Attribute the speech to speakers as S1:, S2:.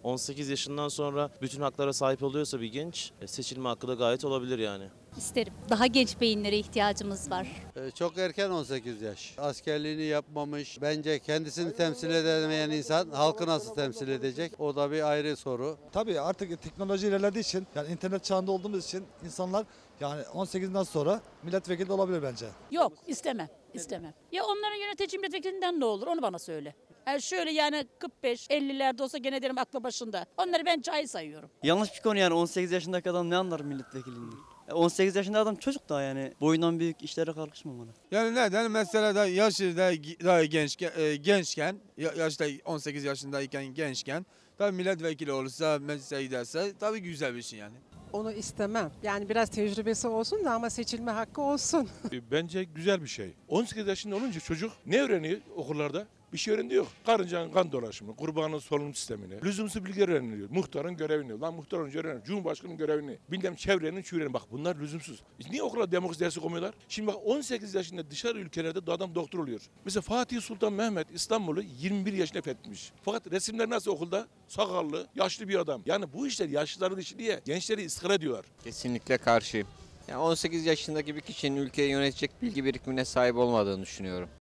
S1: 18 yaşından sonra bütün haklara sahip oluyorsa bir genç seçilme hakkı da gayet olabilir yani.
S2: İsterim. Daha genç beyinlere ihtiyacımız var.
S3: Çok erken 18 yaş. Askerliğini yapmamış. Bence kendisini temsil edemeyen insan halkı nasıl temsil edecek? O da bir ayrı soru.
S4: Tabii artık teknoloji ilerlediği için yani internet çağında olduğumuz için insanlar yani 18'den sonra milletvekili de olabilir bence.
S5: Yok istemem. İstemem. Ya onların yönetici milletvekilinden ne olur onu bana söyle. Yani şöyle yani 45-50'lerde olsa gene derim aklı başında. Onları ben cahil sayıyorum.
S6: Yanlış bir konu yani 18 yaşındaki adam ne anlar milletvekilliğinden? 18 yaşında adam çocuk daha yani boyundan büyük işlere kalkışmamalı.
S7: Yani neden? Mesela da yaşı da daha gençken, yaşta 18 yaşındayken gençken tabii milletvekili olursa, meclise giderse tabii güzel bir şey yani.
S8: Onu istemem. Yani biraz tecrübesi olsun da ama seçilme hakkı olsun.
S9: Bence güzel bir şey. 18 yaşında olunca çocuk ne öğreniyor okullarda? Bir şey öğrendiği yok. Karıncanın kan dolaşımı, kurbanın solunum sistemini, lüzumsuz bilgiler öğreniliyor. Muhtarın görevini, lan muhtar önce öğrenir. Cumhurbaşkanının görevini, bilmem çevrenin şuureni. Bak bunlar lüzumsuz. Niye okula demokrasi dersi koymuyorlar? Şimdi bak 18 yaşında dışarı ülkelerde adam doktor oluyor. Mesela Fatih Sultan Mehmet İstanbul'u 21 yaşında fethetmiş. Fakat resimler nasıl okulda? Sakallı, yaşlı bir adam. Yani bu işler yaşlıların işi diye gençleri ıskara ediyorlar.
S10: Kesinlikle karşıyım. Yani 18 yaşındaki bir kişinin ülkeyi yönetecek bilgi birikimine sahip olmadığını düşünüyorum.